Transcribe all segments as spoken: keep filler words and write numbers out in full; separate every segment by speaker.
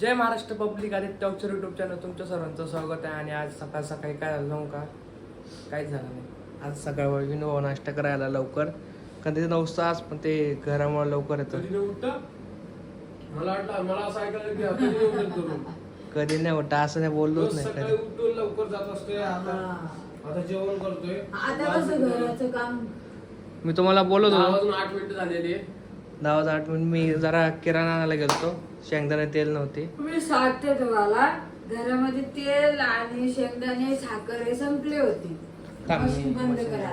Speaker 1: जय Maharashtra public Aditya अक्षर YouTube channel तुमच्या सर्वांचं स्वागत आहे. आणि आज सकाळ सकाळी काय झालं का काहीच झालं नाही. आज सकाळ विनो नाश्ता करायला लवकर कधी नव्हतं आज, पण ते घरामुळे लवकर येतं.
Speaker 2: मला वाटलं मला असं ऐकायला की कधी नाही उठत
Speaker 1: कधी नाही उठा असं नाही बोललोच नाही
Speaker 2: सकाळी उठून लवकर जात असते. आता आता जेवण करतोय.
Speaker 3: आता कसं घराचं काम
Speaker 1: मी तुम्हाला बोलत होतो
Speaker 2: अजून आठ मिनिटं झालेली आहे.
Speaker 1: दहा वाजता आठ मिनिट मी जरा किराणा आणायला गेलतो. शेंगदाणे तेल नव्हते.
Speaker 3: मी सांगते तुम्हाला, घरामध्ये तेल आणि शेंगदाणे साखर हे संपले होते.
Speaker 1: थांब,
Speaker 3: मशीन
Speaker 1: मी
Speaker 3: बंद
Speaker 1: मशीन-
Speaker 3: करा.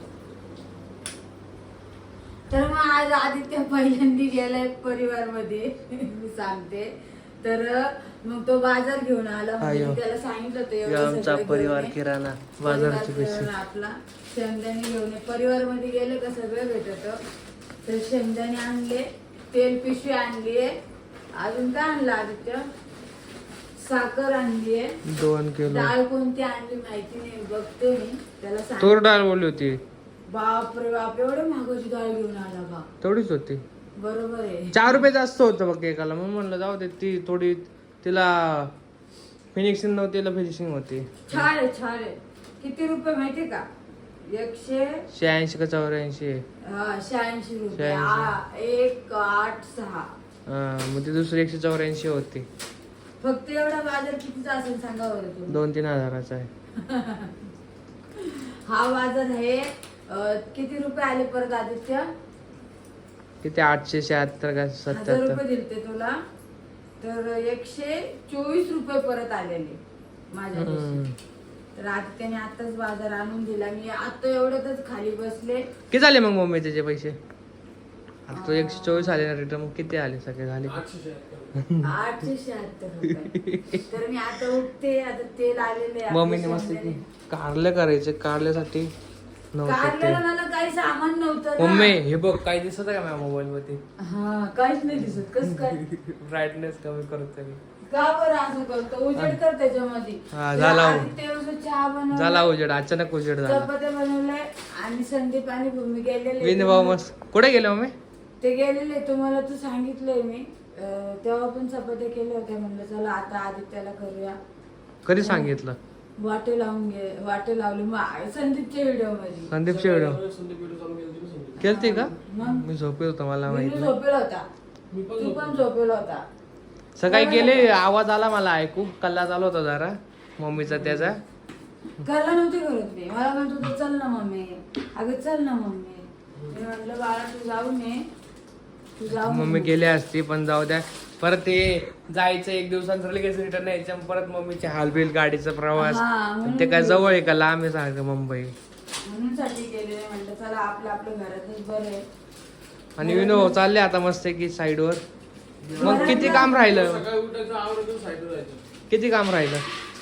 Speaker 3: तर मग आज आदित्य पहिल्यांदा गेलाय परिवार मध्ये मी सांगते. तर मग तो बाजार घेऊन आला. म्हणजे
Speaker 1: आयो.
Speaker 3: त्याला सांगितलं होतं
Speaker 1: हे
Speaker 3: एवढं
Speaker 1: आमचा
Speaker 3: सगळं
Speaker 1: परिवार
Speaker 3: घेऊन ये.
Speaker 1: किराणा
Speaker 3: परिवार
Speaker 1: बाजाराची पैसे
Speaker 3: किराणा आपला शेंगदाणे घेऊन ये. परिवार मध्ये गेले का सगळं भेटत. तर शेंगदाणे आणले, तेल पिशवी आणलीये, अजून काय आणलं आदित्य? साखर आणलीये.
Speaker 1: दोन किलो
Speaker 3: डाळ कोणती आणली माहिती नाही, बघते मी त्याला सांग.
Speaker 1: तूर डाळ बोलली होती.
Speaker 3: बापरे बाप, एवढे महागाची डाळ घेऊन आला बा.
Speaker 1: तेवढीच होती.
Speaker 3: बरोबर आहे.
Speaker 1: चार रुपये जास्त होतं बघ एकाला. मग म्हणलं जाऊ दे, ती थोडी तिला फिनिशिंग नव्हती, तिला फिनिशिंग होती.
Speaker 3: छान आहे छान आहे. किती रुपये माहिती का? एकशे
Speaker 1: शहाऐंशी का चौऱ्याऐंशी.
Speaker 3: हा, शहाऐंशी रुपये.
Speaker 1: शहाऐंशी.
Speaker 3: आ, एक आठ सहा.
Speaker 1: मग ती दुसरी एकशे चौऱ्याऐंशी होती.
Speaker 3: फक्त एवढा बाजार कितीचा असेल सांगा बरं तुम्ही.
Speaker 1: दोन तीन हजाराचा आहे.
Speaker 3: हा बाजार आहे. अं, किती रुपये आले परत आदित्य?
Speaker 1: किती आठशे शहात्तर का
Speaker 3: हजार
Speaker 1: सत्याहत्तर.
Speaker 3: रुपये दिलते तुला. तर एकशे चोवीस रुपये परत आलेले माझ्या
Speaker 1: हम्म.
Speaker 3: दिवशी. तर आदित्यने आताच बाजार आणून दिला. मी आता एवढ्यातच खाली बसले.
Speaker 1: किती झाले मग मम्मी त्याचे पैसे? आता तो एकशे चोवीस आले ना रिटर्न. मग किती आले सगळे झाले?
Speaker 2: आठशे शहात्तर.
Speaker 3: आठशे शहात्तर रुपये. तर मी आता उठते. आता तेल आलेले आहे.
Speaker 1: मम्मीने मस्त की कारले करायचे. कारल्यासाठी नव्हतं
Speaker 3: कारल्याला
Speaker 1: ते.
Speaker 3: मला काही सामान नव्हतं ना.
Speaker 1: मम्मी हे बघ काय दिसत आहे का माझ्या मोबाईल मध्ये?
Speaker 3: हा, काहीच नाही दिसत. कस काय?
Speaker 1: ब्राईटनेस कमी करतो मी.
Speaker 3: का बरं असं करतो? उजेड कर त्याच्यामध्ये.
Speaker 1: हा, झाला हो.
Speaker 3: आदित्य उसं चहा बनवला.
Speaker 1: झाला उजेड. अचानक उजेड झाला.
Speaker 3: चपात्या बनवल्या आणि संदीप आणि भूमी गेलेले.
Speaker 1: विन भाऊ मस्त. कुठे गेले मम्मी?
Speaker 3: ते गेलेले. तुम्हाला तू सांगितलंय मी. अं, तेव्हा पण चपात्या केल्या होत्या. म्हणलं चला आता आदित्याला करूया.
Speaker 1: कधी सांगितलं?
Speaker 3: वाटे लावून गे वाटे लावली मग संदीपच्या व्हिडिओ मध्ये.
Speaker 1: संदीपचे व्हिडिओ
Speaker 2: संदीप व्हिडिओ चालू केली होती ना संदीप.
Speaker 1: केलते का?
Speaker 3: मग
Speaker 1: मी झोपेल होतो, मला माहित
Speaker 3: विनू
Speaker 1: नाही.
Speaker 3: झोपेल होता.
Speaker 2: मी पण
Speaker 3: तू पण
Speaker 2: झोपलो.
Speaker 3: झोपेल होता.
Speaker 1: सकाळी गेले, आवाज आला मला ऐकू. कल्ला चालू होता जरा मम्मीचा त्याचा.
Speaker 3: घरला नव्हते करत मी. मला म्हणत होतं चल ना मम्मी, अगं चल ना मम्मी. मी म्हटलं बाळा तू जाऊ नये, तू जाऊ
Speaker 1: मम्मी
Speaker 3: नको.
Speaker 1: गेले असती, पण जाऊ द्या. परत ते जायचं एक दिवसानंतर लगेच रिटर्न यायचं. परत मम्मीचे हालबिल, गाडीचा प्रवास.
Speaker 3: हा, म्हणून
Speaker 1: ते काय जवळ आहे का लांब आहे सांग मुंबई?
Speaker 3: म्हणून साठी गेले. म्हटलं चला आपलं आपलं घरातच बरं आहे.
Speaker 1: आणि विनो चालले आता मस्त की साईड वर. मग किती काम राहिलं?
Speaker 2: सकाळी उठायचं, आवरायचं, साईडला जायचं.
Speaker 1: किती काम राहिलं?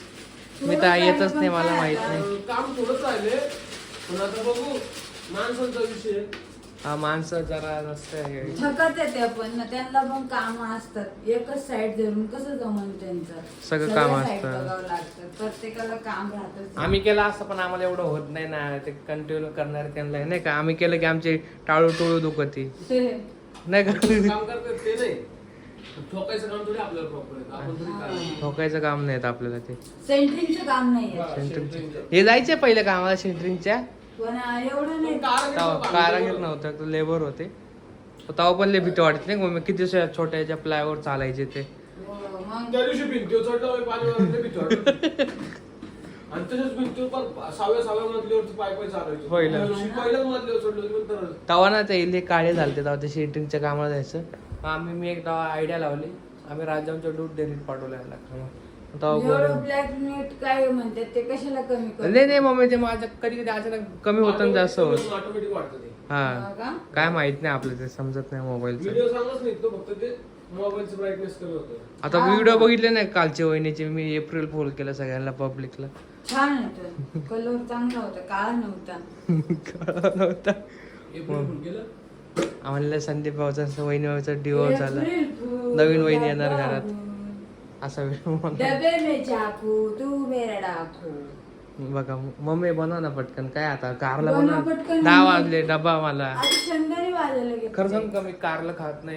Speaker 1: मी तर येतच नाही, मला माहित नाही.
Speaker 2: अं, काम थोडंच राहिले, पण आता बघू. माणसांचा विषय.
Speaker 1: हा, माणसं जरा नसतं.
Speaker 3: थकत येते पण ना, त्यांना पण काम असतात. एकच साईड धरून कसं जमन त्यांचं?
Speaker 1: सगळं काम
Speaker 3: सगळ्या side
Speaker 1: असतं.
Speaker 3: बघावं लागतं. प्रत्येकाला काम राहतच.
Speaker 1: आम्ही केलं असं, पण आम्हाला एवढं होत नाही ना. ते कंटिन्यू करणार त्यांना नाही का. आम्ही केलं की आमची टाळू टोळू दुखती नाही का.
Speaker 2: काम करतात ते नाही. ठोकायचं काम थोडी आपल्याला प्रॉपर आहे. आपण थोडी काय.
Speaker 1: ठोकायचं काम नाही आपल्याला ते.
Speaker 3: सेंट्रिंगचं काम नाहीये.
Speaker 1: सेंटरिंगचं. हे जायचे पहिले कामाला सेंटरिंगच्या.
Speaker 3: पण एवढं नाही.
Speaker 1: तेव्हा कारागीर नव्हतं, लेबर होते. तेव्हा पण लय भीती वाटते नाही. मग किती छोट्या प्लायवर चालायचे ते.
Speaker 3: हो, मग
Speaker 2: त्या दिवशी भिंतीवर चढलं पाणी वगैरे भीती वाटत. आणि तसेच भिंतीवर पण सहाव्या सहाव्या मजल्यावरती पाय पाय चालायचं.
Speaker 1: पहिलं.
Speaker 2: त्या दिवशी पहिल्याच मजल्यावर चढलो होतो, पण तर
Speaker 1: तेव्हा ना ते इले काळे झालते. तेव्हा ते सेंटरिंगच्या कामाला जायचं. आम्ही मी एक तेव्हा आयडिया लावली. आम्ही राजांच्या दूध डेअरीत पाठवल्या तेव्हा
Speaker 3: एवढं
Speaker 1: बोललो.
Speaker 3: ब्लॅक मीट काय म्हणतात ते कशाला कमी करतात?
Speaker 1: नाही नाही मम्मी, ते माझं कधी कधी अचानक कमी होतं आणि जास्त होत.
Speaker 2: ऑटोमॅटिक वाटतं ते.
Speaker 1: हा,
Speaker 3: हा का?
Speaker 1: काय माहित नाही आपलं, ते समजत नाही मोबाईलचं.
Speaker 2: व्हिडिओ सांगच नाही तो, फक्त ते मोबाईलचं ब्राईटनेस कमी होतं.
Speaker 1: आता व्हिडिओ बघितले नाही कालचे वहिनीचे. मी एप्रिल फुल केलं सगळ्यांना पब्लिकला.
Speaker 3: छान होतं. कलर चांगला होता, काळा नव्हता.
Speaker 1: कळलं नव्हता.
Speaker 2: एप्रिल फुल केलं.
Speaker 1: आम्हाला संदीप भाऊचा वहिनी भाऊचा डिवोर्स झाला.
Speaker 3: एप्रिल फूल,
Speaker 1: नवीन वहिनी येणार
Speaker 3: डबा
Speaker 1: घरात.
Speaker 3: फूल.
Speaker 1: असा व्हिडिओ
Speaker 3: डबे में चाकू तू मेरा डाकू.
Speaker 1: बघा. मम्मी बनव ना पटकन. काय आता कारला
Speaker 3: बनव
Speaker 1: बनव.
Speaker 3: पटकन.
Speaker 1: दहा वाजले, डबा मला.
Speaker 3: आता शेंगदाणे वाजायला गेले.
Speaker 1: खरं सांग का, मी कारला खात नाही.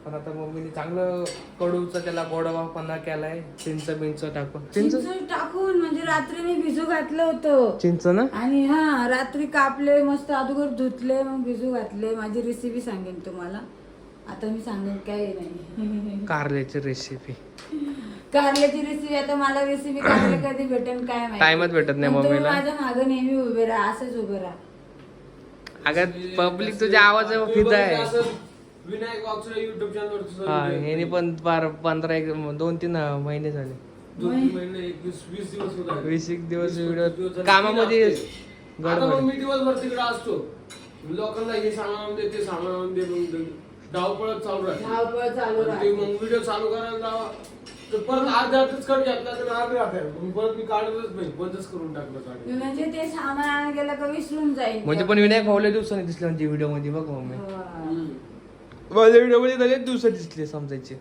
Speaker 1: पण आता मम्मीने चांगलं कडूचा त्याला गोडवापणा केलाय, चिंच बिंच टाकून. चिंच
Speaker 3: चिंच टाकून म्हणजे रात्री मी भिजू घातलं होतं
Speaker 1: चिंच ना
Speaker 3: आणि हा रात्री कापले मस्त अगोदर धुतले मग भिजू घातले. माझी रेसिपी सांगेन तुम्हाला आता मी सांगेन काय नाही.
Speaker 1: कारल्याची रेसिपी.
Speaker 3: कारल्याची रेसिपी आता मला रेसिपी कारले कधी भेटेल काय माहिती.
Speaker 1: टाइमच भेटत नाही
Speaker 3: पण तुम्ही
Speaker 1: मम्मीला.
Speaker 3: माझ्या मागे नेहमी उभे राहा, असंच उभे राहा.
Speaker 1: अगं पब्लिक तुझ्या आवाज फिदा आहे.
Speaker 2: विनायक वागचुरे युट्यूब चॅनल
Speaker 1: हा ह्याने पण बार पंधरा एक दोन तीन महिने झाले,
Speaker 2: दोन तीन महिने एकवीस वीस दिवस होत आहे.
Speaker 1: वीस एक दिवस
Speaker 2: वीस-
Speaker 1: व्हिडिओ
Speaker 2: वीस दिवस झाले.
Speaker 1: कामामध्ये
Speaker 2: आता मग
Speaker 1: गडबड.
Speaker 2: मी दिवसभर तिकडे असतो, लोकांना हे सामान आणून दे ते सामान आणून दे, मग धावपळत चालू राहते.
Speaker 3: धावपळ चालू
Speaker 2: आणि ते
Speaker 3: राहते.
Speaker 2: मग व्हिडिओ चालू करायला जावा तर परत अर्ध्यातच कट घेतला तर अर्धे राहते, मग परत मी काढतच नाही, बंदच करून टाकलं काढून.
Speaker 3: म्हणजे ते सामान आणायला गेलं का विसरून जाईल.
Speaker 1: म्हणजे पण विनायक भाऊला दिवसाने दिसले म्हणजे व्हिडिओ मध्ये बघ मम्मी.
Speaker 3: हा.
Speaker 1: माझ्या व्हिडिओ मध्ये झाले दिवस दिसले समजायचे.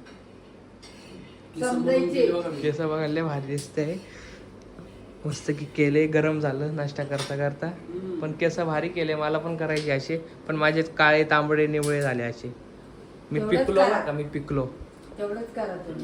Speaker 3: समजायचे.
Speaker 1: केस बघायला लय भारी दिसतंय. मस्त की केले, गरम झालं नाश्ता करता करता. पण केस भारी केले, मला पण करायचे असे, पण माझे काळे तांबडे निवळे झाले असे. मी
Speaker 3: तेवढंच
Speaker 1: पिकलो
Speaker 3: करा.
Speaker 1: ना का मी पिकलो.
Speaker 3: तेवढंच करा तुम्ही.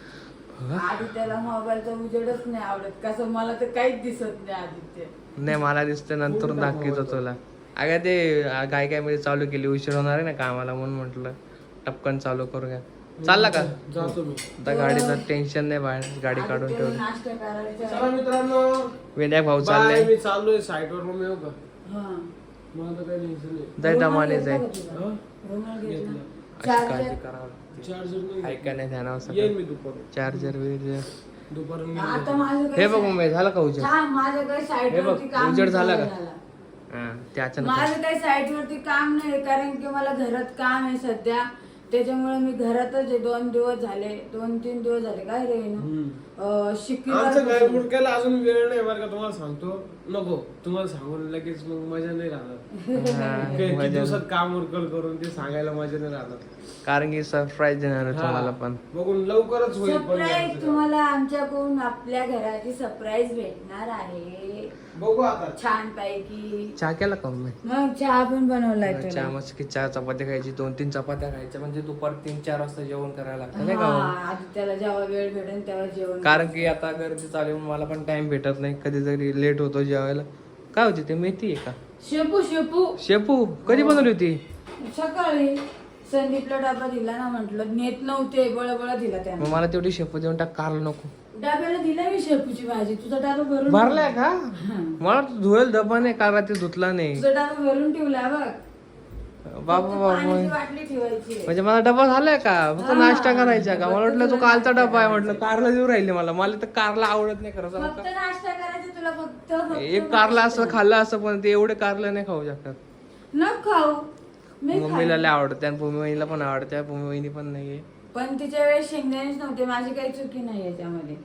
Speaker 1: हा?
Speaker 3: आदित्याला मोबाईलचा उजेडच नाही आवडत, कसं मला तर काहीच दिसत नाही आदित्य.
Speaker 1: नाही मला दिसतं नंतर दाखवतो तुला. अगं ते काय काय मध्ये चालू केली, उशीर होणार आहे ना कामाला म्हणून म्हटलं टपकन चालू करूया. चालला का
Speaker 2: जातो मी.
Speaker 1: आता गाडीचं टेन्शन नाही, बाहेर गाडी काढून
Speaker 3: आदित्यला
Speaker 1: ठेवली.
Speaker 3: नाश्ता करायचा.
Speaker 2: चला मित्रांनो,
Speaker 1: विनायक भाऊ
Speaker 2: बाय.
Speaker 1: चालले.
Speaker 2: मी चाललोय साईटवर, मग येऊ का?
Speaker 3: हा.
Speaker 2: मला तर काही टेन्शन नाही.
Speaker 1: जाय
Speaker 3: रुमाल
Speaker 1: दमाने
Speaker 3: घेतला
Speaker 1: जाय.
Speaker 3: का तुझा?
Speaker 2: हा?
Speaker 3: रुमाल घेतला.
Speaker 2: घेतला.
Speaker 1: अशी
Speaker 3: चार्जर.
Speaker 1: काळजी करावं लागते.
Speaker 2: चार्जर नाही.
Speaker 1: ऐका नाही ध्यानावर
Speaker 2: येईन
Speaker 1: सगळं.
Speaker 2: मी दुपारी.
Speaker 1: चार्जर बिर्जर.
Speaker 2: दुपारून
Speaker 3: आता
Speaker 2: येईन.
Speaker 3: माझं
Speaker 1: हे बघ मम्मी झालं का उजेड?
Speaker 3: छान माझं काही साईट
Speaker 1: हे बघ,
Speaker 3: वरती काम
Speaker 1: उजेड झाला
Speaker 3: नाही
Speaker 1: का?
Speaker 3: झालं.
Speaker 1: हा, ते अचानक
Speaker 3: माझं काही साईट वरती काम नाही कारण की मला घरात काम आहे सध्या, त्याच्यामुळे मी घरातच आहे. दोन दिवस झाले, दोन तीन दिवस झाले काय रे
Speaker 2: हम्म.
Speaker 3: शिकवी
Speaker 2: आमचं घर मुडक्याला अजून वेळ नाही बरं का, तुम्हाला सांगतो. नको तुम्हाला सांगून लगेच मग मजा नाही राहणार.
Speaker 1: हा,
Speaker 2: किती
Speaker 1: मजा
Speaker 2: दिवसात काम उरकल करून ते सांगायला मजा नाही राहणार.
Speaker 1: कारण की सरप्राईज देणार आहे तुम्हाला पण.
Speaker 2: बघून लवकरच होईल पण
Speaker 3: सरप्राईज
Speaker 2: आमचं.
Speaker 3: तुम्हाला आमच्याकडून आपल्या घराची सरप्राईज भेटणार आहे
Speaker 2: बघू आता.
Speaker 3: छान पैकी.
Speaker 1: चहा केला का मम्मी?
Speaker 3: मग चहा पण बनवलाय
Speaker 1: चहा
Speaker 3: तुला.
Speaker 1: मस्त की चार चपात्या खायची, दोन तीन चपात्या खायच्या म्हणजे दुपार तीन चार वाजता जेवण करायला लागतं नाही का
Speaker 3: हा,
Speaker 1: मम्मी?
Speaker 3: आधी त्याला जेव्हा वेळ भेटेल तेव्हा जेवण.
Speaker 1: कारण की आता गर्दी चालू आहे, मला पण टाइम भेटत नाही, कधीतरी लेट होतो जेवायला. काय होती ते मेथी आहे का?
Speaker 3: शेपू शेपू
Speaker 1: शेपू कधी बनवली होती?
Speaker 3: सकाळी संदीपला डबा दिला ना, म्हंटल नेत नव्हते, बळबळ दिला
Speaker 1: मग
Speaker 3: त्याने.
Speaker 1: मला तेवढी शेपू देऊन टाक, कारलं नको.
Speaker 3: डब्याला दिला मी शेपूची भाजी, तुझा डबा भरून
Speaker 1: भरलाय का?
Speaker 3: हा.
Speaker 1: मला धुवेल डबा नाही, कार ते धुतला नाही.
Speaker 3: तुझा डबा भरून ठेवला बघ.
Speaker 1: बाबा
Speaker 3: फक्त
Speaker 1: बाबा
Speaker 3: पाण्याची बाटली ठेवायची.
Speaker 1: म्हणजे मला डबा झालाय का? फक्त
Speaker 3: हा.
Speaker 1: नाश्ता करायचा का? मला वाटलं तो
Speaker 3: फक्त
Speaker 1: कालचा
Speaker 3: नाश्ता
Speaker 1: डबा आहे,
Speaker 3: करायचा.
Speaker 1: म्हटलं कारला देऊ राहिले मला. मला तर कारला आवडत नाही खरं सांगू
Speaker 3: फक्त
Speaker 1: का?
Speaker 3: नाश्ता करायचा तुला, फक्त फक्त
Speaker 1: एक कारला असं
Speaker 3: नाश्ता.
Speaker 1: खाल्लं असं, पण ते एवढे कारलं नाही खाऊ शकतात.
Speaker 3: न खाऊ मी
Speaker 1: मम्मीला
Speaker 3: खाईन.
Speaker 1: लय आवडते आणि भूमी वहिनीला पण आवडते. भूमी वहिनी पण नाहीये.
Speaker 3: पण तिच्या वेळेस शेंगदाणेच नव्हते, माझी काही चुकी नाही याच्यामध्ये.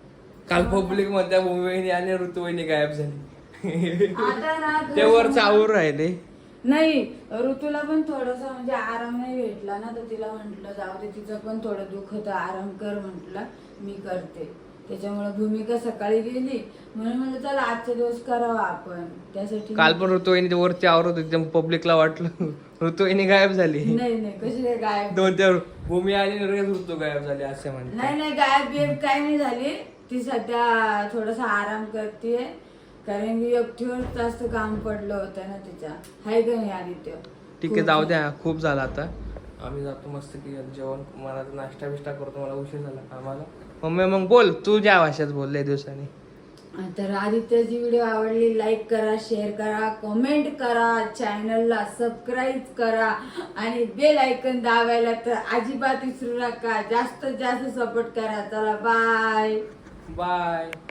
Speaker 1: काल पब्लिक मध्ये भूमी वहिनी आणि ऋतू वहिनी गायब झाली.
Speaker 3: आता ना
Speaker 1: ते वर चावून राहिले.
Speaker 3: नाही, ऋतूला पण थोडासा म्हणजे आराम नाही भेटला ना, तर तिला म्हंटल जाऊ दे, तिचं पण थोडं दुःख होतं, आराम कर म्हंटल, मी करते. त्याच्यामुळे भूमिका सकाळी गेली म्हणून म्हणलं चला आजचा दिवस करावा आपण, त्यासाठी.
Speaker 1: काल पण ऋतू वहिनी ते वरती आवरत होती, पब्लिकला वाटलं ऋतू वहिनी गायब झाली.
Speaker 3: नाही नाही कशी काय गायब.
Speaker 1: दोन चार भूमी आली आणि लगेच ऋतू गायब झाली असे म्हणते.
Speaker 3: नाही नाही गायब बियब काय नाही झाली, ती सध्या थोडासा आराम करते, कारण की एकटीवर जास्त काम पडलं होतं ना तिच्या. हाय का नाही आदित्य?
Speaker 1: ठीक आहे, जाऊ द्या, खूप झालं आता. आम्ही जातो मस्त की जेवण, मला नाश्ता बिष्टा करतो, मला उशीर झाला कामाला. मम्मी मग बोल, तू ज्या भाषेत बोलले दिवसांनी.
Speaker 3: तर आदित्यची व्हिडिओ आवडली, लाईक करा, शेअर करा, कमेंट करा, चॅनलला सबस्क्राईब करा आणि बेल आयकन दाबायला तर अजिबात विसरू नका. जास्तीत जास्त सपोर्ट करा. चला बाय
Speaker 1: बाय.